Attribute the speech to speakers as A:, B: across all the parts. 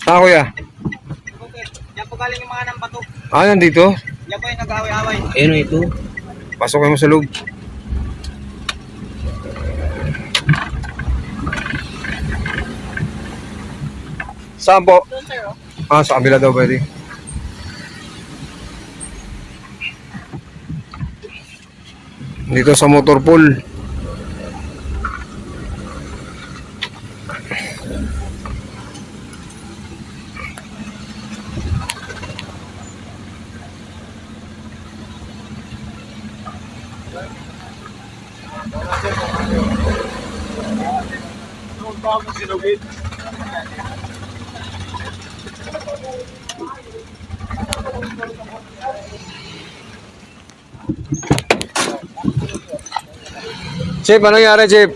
A: Ah, kuya.
B: Okay. Yan po galing yung mga nang bato.
A: Ah, nandito.
B: Yan po yung nag-away-away.
C: Ayun ito.
A: Pasok kayo mo sa loob. Saan po?
B: Doon sir, oh.
A: Ah, sa kabila daw pwede. Dito sa motor pool. Chip, anong nangyari, Chip?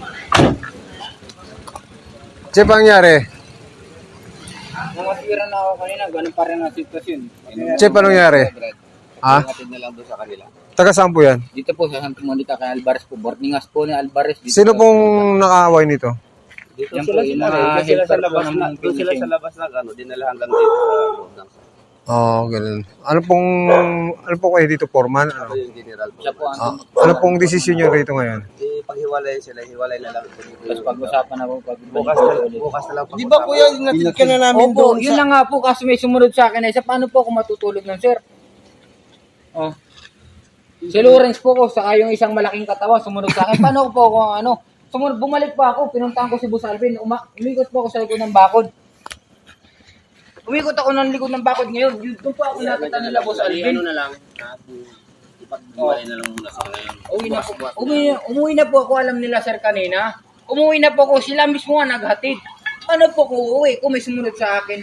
A: Chip, anong nangyari?
C: Namatira na ako kanina, ganun pa rin ang sitwasyon.
A: Chip, anong nangyari? Ah?
C: Hatid na lang doon sa kanila.
A: Taga saan po yan?
C: Dito po sa Santa Monica kay Alvarez po. Boardingas po ni Alvarez. Dito
A: Sino pong nakaaway nito?
C: Dito yan po, yung mga
B: sila sa
C: helper po
B: labas
C: ng
B: na, doon sila
C: finishing.
B: sa labas na ano, dinala hanggang dito sa loob ng
A: Oo, ganun. Ano po kayo dito, foreman? Ano?
B: yung general po.
C: Siya po
A: Ah,
C: ang
A: ano pong desisyon nyo rito ngayon?
B: Paghiwalay sila, hiwalay na lang.
C: tapos pag-usapan na po.
B: Bukas na lang.
D: Di ba kuya, natid ka na namin
C: Opo,
D: doon
C: yun
D: sa...
C: na nga po kasi may sumunod sa akin. Isa paano po ako matutulog ng sir? Oh. Si Lawrence po ko, saka yung isang malaking katawan sumunod sa akin. Paano po ako sumunod, bumalik pa ako, pinuntahan ko si Boss Alvin. Umikot po ako sa likod ng bakod. Umikot ako ng likod ng bakod ngayon. Yun, doon po ako nakita nila Boss Alvin.
B: Ano na lang, ipaghiwalay na lang muna sa ngayon.
C: Umuwi na po ako, alam nila sir kanina. Umuwi na po ako, sila mismo nga naghatid. Paano po ko uuwi kung may sumunod sa akin?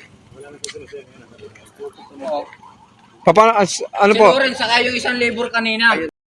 C: Oo.
A: Ano
C: Si
A: po?
C: Lawrence, saka yung isang labor kanina.